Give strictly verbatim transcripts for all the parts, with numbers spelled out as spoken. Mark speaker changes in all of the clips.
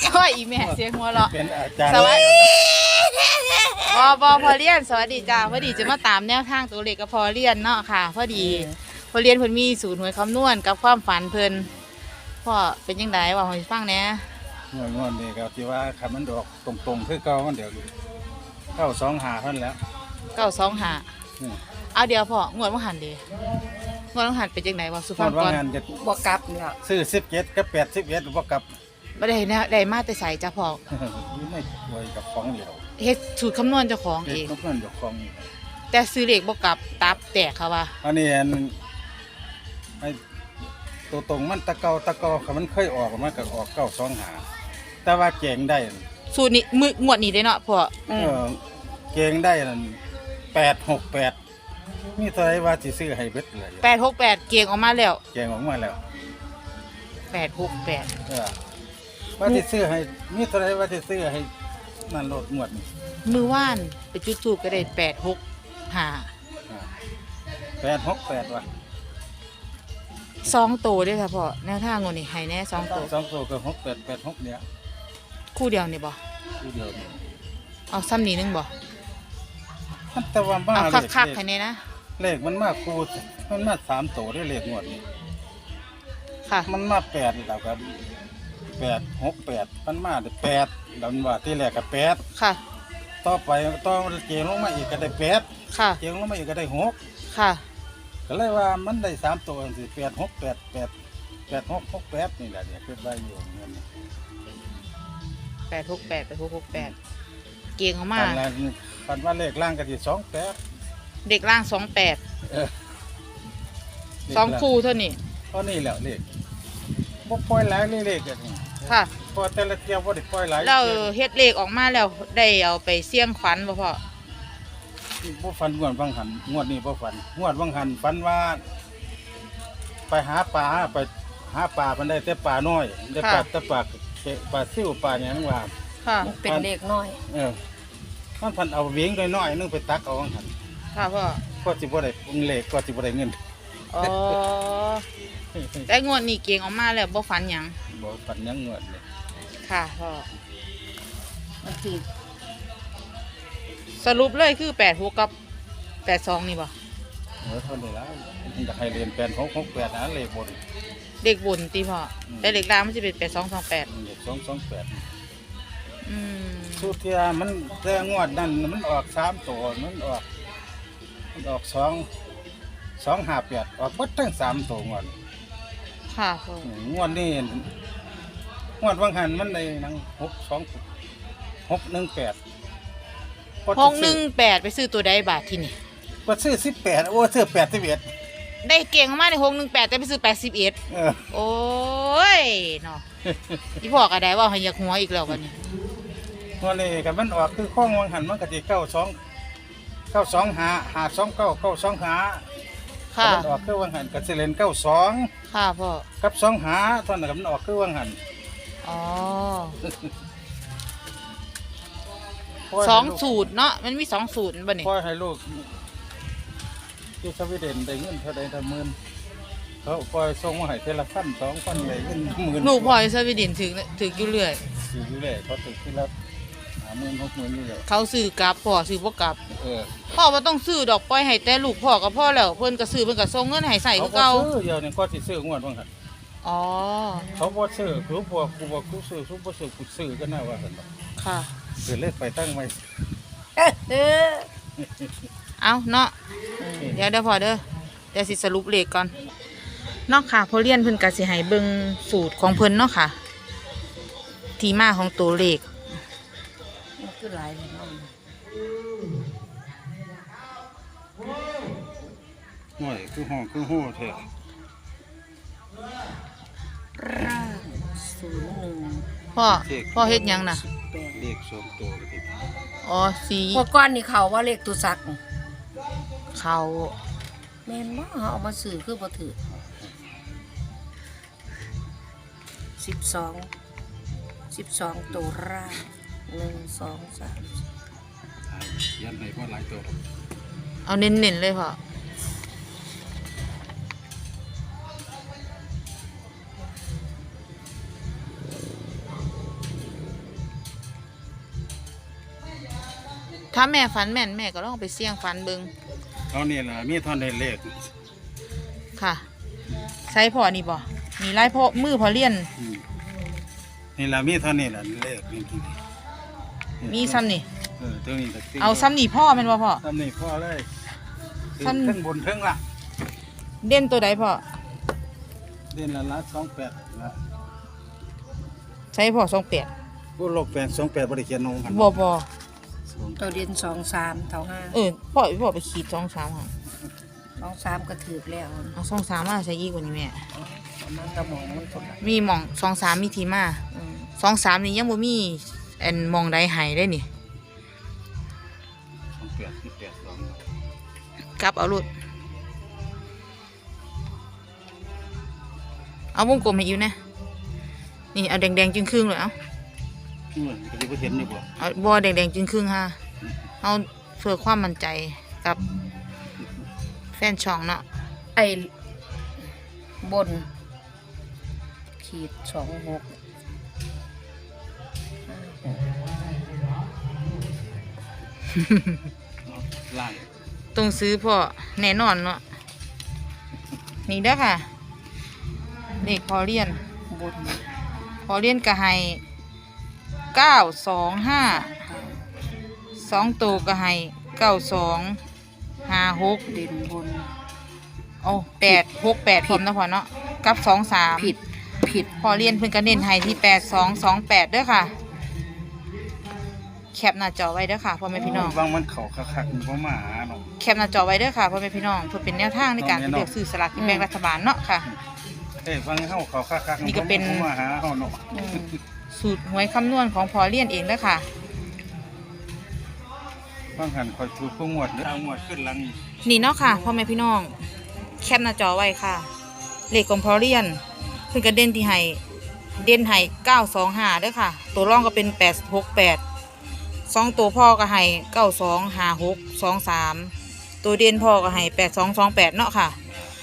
Speaker 1: โอ้ยอีแม่เสียงหัวเราะ
Speaker 2: เป็นอาจารย์
Speaker 1: สวัสดีบอบอพอเรียนสวัสดีจ้าพอดีจะมาตามแนวทางตัวเลขกับพอเรียนเนาะค่ะพอดีพอเรียนเพิ่นมีสูตรหวยคำนวณกับความฝันเพิ่นพ่อเป็นยังไงว่าให้ฟังแหน่
Speaker 2: งวดงวดนี่ก็ที่ว่าคันมันดอกตรงๆคือเก่ามันเดี๋ยวเข้าสองหาเท่านั้นแล้ว
Speaker 1: เก้าสองห้า
Speaker 2: อืม
Speaker 1: เอาเดี๋ยวพ่องวดว่าหันเดีงวดว่าหันเป็นยังไงว่าสุ
Speaker 2: ง
Speaker 1: ฟั
Speaker 2: ว
Speaker 1: ง
Speaker 2: ดว่า
Speaker 1: ก่อน
Speaker 2: งานจะ
Speaker 3: บวกกลับเนี่ย
Speaker 2: ซื้อสิบเจ็ดกับแปดสิบเอ็ดบ่กลับ
Speaker 1: ไม่ได้แนวได้มาแต่ใส่จ้าพ่อ
Speaker 2: อยู่ในป่วยกับของเดียว
Speaker 1: เฮ็ดสูตรคำนวณเจ้าของ
Speaker 2: เด็
Speaker 1: เอก ง
Speaker 2: นกนั่นอยู่ของนี่
Speaker 1: แต่ซื้อเลขบ่กลับตับแตกค่ะว่า
Speaker 2: อันนี้อันไอ้ตัวตรงมันตะเกาตะเกาคันมันเคยออกมันก็ออกเก้าสองหาแต่ว่าเก่งได้
Speaker 1: สูตรนี้มืองวดนี้ได้เนาะพ่อ
Speaker 2: เออเก่งได้นั่นแปดหกแปดมีเท่าไหรว่าสิซื้อให้เบิดเลย
Speaker 1: แปดหกแปดเกียงออกมาแล้ว
Speaker 2: เก่งออกมาแล้ว
Speaker 1: แปดหกแปด
Speaker 2: เออว่าที่ซื้อให้มีเท่าไรว่าที่ซื้อให้นั่นโหลดหมวดนี่
Speaker 1: มือว่านไปจุดทูบก็ได้แปดหกห้า
Speaker 2: แปดหกแปดว่ะ
Speaker 1: สองโตด้วยค่ะพ่อแนวทางงวดนี้ให้แน่สองโต
Speaker 2: สองตัวก็หกแปดแปดหกเนี่ย
Speaker 1: คู่เดียวนี่บ่
Speaker 2: ทีเดียวนี่
Speaker 1: เอาซ้ำนี้นึงบ่
Speaker 2: มันแต่ว่ามา
Speaker 1: เอา
Speaker 2: เล
Speaker 1: คัก
Speaker 2: ข
Speaker 1: คักๆให้แน่นะ
Speaker 2: เลขมันมาคูมันมาสามตัวได้เลขหมวดนี่
Speaker 1: ค่ะ
Speaker 2: มันมาแปดแล้วก็แปดหกแปดมันมาได้แปดแล้วมันว่าที่แรกก็แปด
Speaker 1: ค่ะ
Speaker 2: ต่อไปต่อเจียงลงมาอีกก็ได้แปด
Speaker 1: ค่ะ
Speaker 2: เจียงลงมาอีกก็ได้หก
Speaker 1: ค่ะ
Speaker 2: ก็เลยว่ามันได้สามตัวสิแปดหกแปดแปดแปดหกหกแปดนี่แหละเนี่ยคือใบอยู่เงิน
Speaker 1: แปดหกแปดแปดหกหกแปดเกียงออกมา
Speaker 2: ปันละปันว่าเลขล่างก็ที่สองแปด
Speaker 1: เด็กล่างสองแปด
Speaker 2: เออ
Speaker 1: สองคู่เท่านี้
Speaker 2: เพราะนี่แหละเลขบ่ปล่อยหลายเลขกันนี่
Speaker 1: ค่ะ
Speaker 2: เพอแต่ละเที่ยวบ่ได้ปล่อยหลาย
Speaker 1: เราเฮ็ดเลขออกมาแล้วได้เอาไปเสี่ยงขวัญบ่พ่อ
Speaker 2: บ่ฝันงวดบางหันงวดนี้บ่ฝันงวดบางหันฝันว่า ไปหาปลาไปหาปลามันได้แต่ปลาน้อยได้ปลาแต่ปลาปลาซิ่วปลาหยังว่า
Speaker 1: ค่ะ
Speaker 3: เป็นเลขน้อย
Speaker 2: เออมันพันเอาเวียงน้อยๆนึงไปตักเอาบางหัน
Speaker 1: ค่ะพ่อ
Speaker 2: ก็สิบ่ได้เลขก็สิบ่ได้เงิน
Speaker 1: อ๋อแต่งวดนี้เกียงออกมาแล้วบ่ฝันหยัง
Speaker 2: บ่ฝันหยังงวดเลย
Speaker 1: ค่ะพ่อ
Speaker 3: มันคือ
Speaker 1: สรุปเลยคือแปดหกกับแปดสองนี่บ่
Speaker 2: เออเท่านี้ละอยากให้เรียนแปดหกหกแปดนะเลขบน
Speaker 1: เด็กบุญตีพ่ออ
Speaker 2: ม
Speaker 1: แต่เด็กล่างมันจะเป็นแปดสองสองแปด
Speaker 2: เลขสองสองแปด
Speaker 1: อืม
Speaker 2: สุเทียมันแต่งวดนั่นมันออกสามตัวมันออกมันออกสองสองห้าแปดออกหมดทั้งสามตัวงวด
Speaker 1: ค่ะพ่อง
Speaker 2: วดนี้งวดวังหันมันในนังหกสองหกหนึ่งแปด
Speaker 1: หกหนึ่งแปดไปซื้อตัวใดบาทที่นี่
Speaker 2: ก็ซื้อสิบแปดโอ้ซื้อแปดสิบเอ็ด
Speaker 1: ได้เก่งมากในหกหนึ่งแปดแต่ไปซื้อแปดสิบเอ็ด
Speaker 2: เออ
Speaker 1: โอ้ยเนาะที่พ่อก็ได้ว่าให้อยากหัวอีกแล้ววันนี้
Speaker 2: งวดนี้กับมันออกคือข้องวังหันมันก็จะเก้าสองเก้าสองหาหาสองเก้าเก้าสองหา
Speaker 1: ค่ะ
Speaker 2: มันออกคือวังหันกับสิเลนเก้าสอง
Speaker 1: ค่ะพ่อ
Speaker 2: กับสองหาตอนนั้นก็มันออกคือวังหัน
Speaker 1: อ๋อสองสูตรเนาะมันมีสองสูตรบ่นี่
Speaker 2: พ่อให้ลูกที่สวีเดนได้เงินเท่าใดเท่าหมื่นเขาปล่อยส่งมาให้เทละพันสองพันเลยเงินหมื่น
Speaker 1: ลูกพ่ออยู่สวีเดนถึงถึงอยู่เรื่อย
Speaker 2: ซื้ออยู่เลยเขาถึงที่ละหาหมื่นหกหมื่นนี่แหละ
Speaker 1: เขาซื้อกลับพ่อซื้อบ่กลับ
Speaker 2: เออ
Speaker 1: พ่อบ่ต้องซื้อดอกปล่อยให้แต่ลูกพ่อกับพ่อแล้วเพิ่นก็ซื้อเพิ่นก็ส่งเงินให้ใส่
Speaker 2: เขา
Speaker 1: คือ
Speaker 2: บ่
Speaker 1: เก่า
Speaker 2: ซื้อเดี๋ยวนี้ก็สิซื้องวดว่าหั่น
Speaker 1: อ๋อ
Speaker 2: เขาบ่ซื้อคือพวกกูบอกกูซื้อกูบ่ซื้อกูซื้อก็น่าว่าซั่นดอก
Speaker 1: ค่ะ
Speaker 2: คือเลขไปตั้งไว้
Speaker 3: เออ
Speaker 1: เอาเนาะเดี๋ยวเดี๋ยวพอเด้อเดี๋ยวสิสรุปเลขก่อนเนาะค่ะพอเรียนเพิ่นก็สิให้เบิ่งสูตรของเพิ่นเนาะค่ะ ที่มาของตัวเลข
Speaker 3: มันคือหลายเลยเนาะ
Speaker 2: ห่วยคือห้องคือโหแท้
Speaker 3: ร่างศูนย์หนึ่ง
Speaker 1: พ่อพ่อเฮ็ดหยังน่ะ
Speaker 3: แปด
Speaker 2: เลขสองตัวก็ติด
Speaker 1: อ๋อสี
Speaker 3: พวกก้อนนี่เขาว่าเลขตุสัก
Speaker 1: เขา
Speaker 3: แม่นบ่เขาเอามาสื่อคือบ่ถือสิบสองสิบสองตัวร่างหนึ่งสองสาม
Speaker 2: ยันให้บ่หลายตัวดอก
Speaker 1: เอาเน้นๆเลยพ่อถ้าแม่ฝันแม่นแม่ก็ลองไปเสี่ยงฝันเบิ่ง
Speaker 2: เอานี่ล่ะมีเท่อนได้เลข
Speaker 1: ค่ะใช้พอนี่บ่มีไล่พ่อมือพอเลี่ยน
Speaker 2: อืมนี่ล่ะมีเท่านี้ล่ะเลขนี่ที่
Speaker 1: มีซ้ำนี่
Speaker 2: เออเท่านี้ก็ติ
Speaker 1: เอาซ้ำนี่พ่อแม่นบ่พ่อ
Speaker 2: ซ้ำนี่พอเลย
Speaker 1: ซ้ำ
Speaker 2: เทั้งบนเทั้งล่ะ
Speaker 1: เด่นตัวใดพ่อ
Speaker 2: เดือนละละสองแปดละ
Speaker 1: ใช้พ่อสองแปด
Speaker 2: ผู้โลกแปดสองแปดบริเขียนลงกัน
Speaker 1: บ่บ่
Speaker 3: ตัวเด่นสองสามเท่าห้า
Speaker 1: เออพ่อพ่อไปขีดสองสามค่ะ
Speaker 3: สองสามก็ถือแล้ว
Speaker 1: เอาสองสามมาใช้อีกกว่านี้แม่
Speaker 3: มันกระหมองมันคนละ
Speaker 1: มีหม่องสองสามมีทีมา
Speaker 3: อืม
Speaker 1: สองสามนี่ยังบ่มีอันหมองใดใหายได้นี่
Speaker 2: สองแปดที่แปดสอง
Speaker 1: กลับเอาลุดเอาวงกลมให้อยู่นะนี่เอาแดงๆจึงครึ่งเลยเอา
Speaker 2: เหมือนก็จะเห็นอยู่บ่
Speaker 1: เอาบอแดงๆจึงครึ่งค่ะเอาเพื่อความมั่นใจกับแฟนช่องเนาะ
Speaker 3: ไอ้บน ขีดสองหก
Speaker 2: ล่าง
Speaker 1: ต้องซื้อพ่อแน่นอนเนาะนี่เด้อค่ะเลขพอเรียน
Speaker 3: บน
Speaker 1: พอเรียนก็ให้เก้าสองห้าสองตัวก็ให้เก้าสองห้าหก
Speaker 3: เด่นบน
Speaker 1: โอ้แปดหกแปดพร้อมนะพ่อเนาะกับสองสาม
Speaker 3: ผิดผิด
Speaker 1: พอเรียนเพิ่นก็เน้นให้ที่แปดสองสองแปดเด้อค่ะแคปหน้าจอไว้เด้อค่ะพ่อแม่พี่น้อง
Speaker 2: บางมันเขาคักๆมันบ่มาหาเนาะ
Speaker 1: แคปหน้าจอไว้เด้อค่ะพ่อแม่พี่น้องเพื่อเป็นแนวทางในการเลือกซื้อสลากกินแบ่งรัฐบาลเนาะค่ะ
Speaker 2: เอ้ยบางเฮาเขาคักๆ
Speaker 1: นี่ก็เป็น
Speaker 2: บ่มาหาเฮาเนาะ
Speaker 3: อืม
Speaker 1: สูตรหวยคำนวณของพอเรียนเองเด้อค่ะ
Speaker 2: บางหันคอยถูกผู้งวดเด้อเอางวดขึ้นหลัง
Speaker 1: นี่เนาะค่ะพ่อแม่พี่น้องแคปหน้าจอไว้ค่ะเลขของพอเรียนเพิ่นก็เด่นที่ให้เด่นให้เก้าสองห้าเด้อค่ะ ตัวรองก็เป็นแปดหกแปดสองตัวพ่อก็ให้เก้าสองห้าหกสองสามตัวเด่นพ่อก็ให้แปดสองสองแปดเนาะค่ะ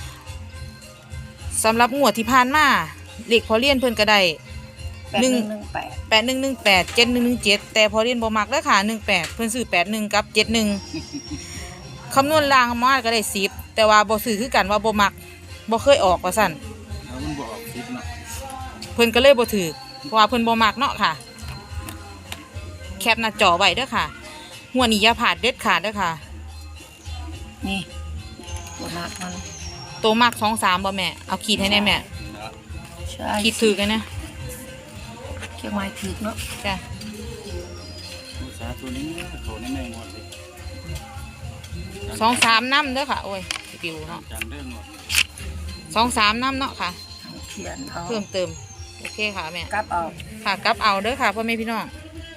Speaker 1: สำหรับงวดที่ผ่านมาเลขพอเรียนเพิ่นก็ได้
Speaker 3: แปดหนึ่งหนึ่งแปด
Speaker 1: แปดหนึ่งหนึ่งแปดเจ็ดหนึ่งหนึ่งเจ็ดแต่พอเรียนบ่มักแล้วค่ะหนึ่งแปดเพิ่นซื้อแปดหนึ่งกับเจ็ดหนึ่งคำนวณล่างมาก็ได้สิบแต่ว่าบ่ซื้อคือกันว่าบ่มักบ่เคยออกว่าสั่น
Speaker 2: แล้วมันบ่ออกคิดเนาะ
Speaker 1: เพิ่นก็เลยบ่ถือเพราะว่าเพิ่นบ่มักเนาะค่ะ แคปหน้าจอไว้เด้อค่ะหัวนี้อย่าพลาดเด็ดขาดเด้อค่ะ
Speaker 3: นี่บนนักมัน
Speaker 1: โตมักสองสามบ่แม่เอาขีดให้แน่แม่
Speaker 2: นะ
Speaker 3: ใช่
Speaker 1: ขีดถือกันนะ
Speaker 3: เกี่ยวไม้ถือเนาะ
Speaker 1: จ้ะ
Speaker 2: อุตสาห์ตัวนี้เขาในแม่งวดเลย
Speaker 1: สองสามน้ำเด้อค่ะโอ้ยปิวเนาะ
Speaker 2: จังเรื่องงวด
Speaker 1: สองสามน้ำเนาะค่ะ
Speaker 3: เขียนเอา
Speaker 1: เพิ่มเติมโอเคค่ะแม่
Speaker 3: กลับเอา
Speaker 1: ค่ะกลับเอาเด้อค่ะพ่อแม่พี่น้อง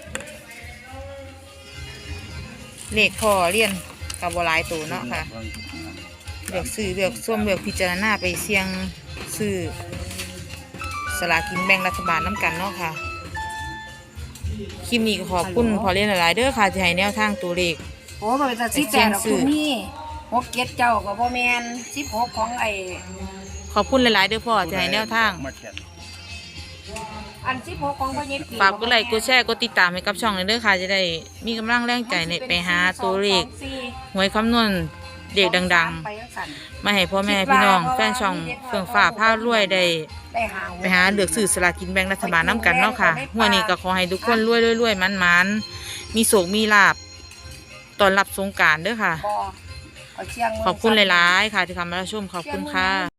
Speaker 1: เลขพอเรียนกับบหลายตัวเนาะค่ะเลือกซื้อเลือกส้วมเลือกพิจารณาไปเสี่ยงซื้อสลากกินแบ่งรัฐบาลน้ำกันเนาะค่ะคลิปนี้ก็ขอบคุณพอเรียนหลายๆเด้อค่ะที่ให้แนวทางตัวเลข
Speaker 3: โอ้มันเป็นสิบแปดดอกคุณนี่หกเจ็ดเจ้ากับพ่อแมนสิบหกของไอ้
Speaker 1: ขอบคุณหลายๆเด้อพ่อที่ให้แนวทาง
Speaker 2: มาแข่ง
Speaker 3: อันสิบหกของพ่อเย็ดปี
Speaker 1: ฝากกดไลค์กดแชร์กดติดตามให้กับช่องเลยเด้อค่ะจะได้มีกำลังแรงใจในไปหาตัวเลขหวยคำนวณเด็กดังๆ มาให้พ่อแม่พี่น้องแฟนช่องเฟื่องฟ้าผ้ารวยได้
Speaker 3: ได้หา
Speaker 1: ไปหาเลือกซื้อสลากกินแบ่งรัฐบาลน้ำกันเนาะค่ะหัวนี้ก็ขอให้ทุกคนรวยรวยๆมันๆมีโศกมีลาบตอนรับสงกรานต์เด้อค่ะ
Speaker 3: บ่เอาเชียงมื
Speaker 1: ขอบคุณหลายๆค่ะที่เข้ามารับชมขอบคุณค่ะ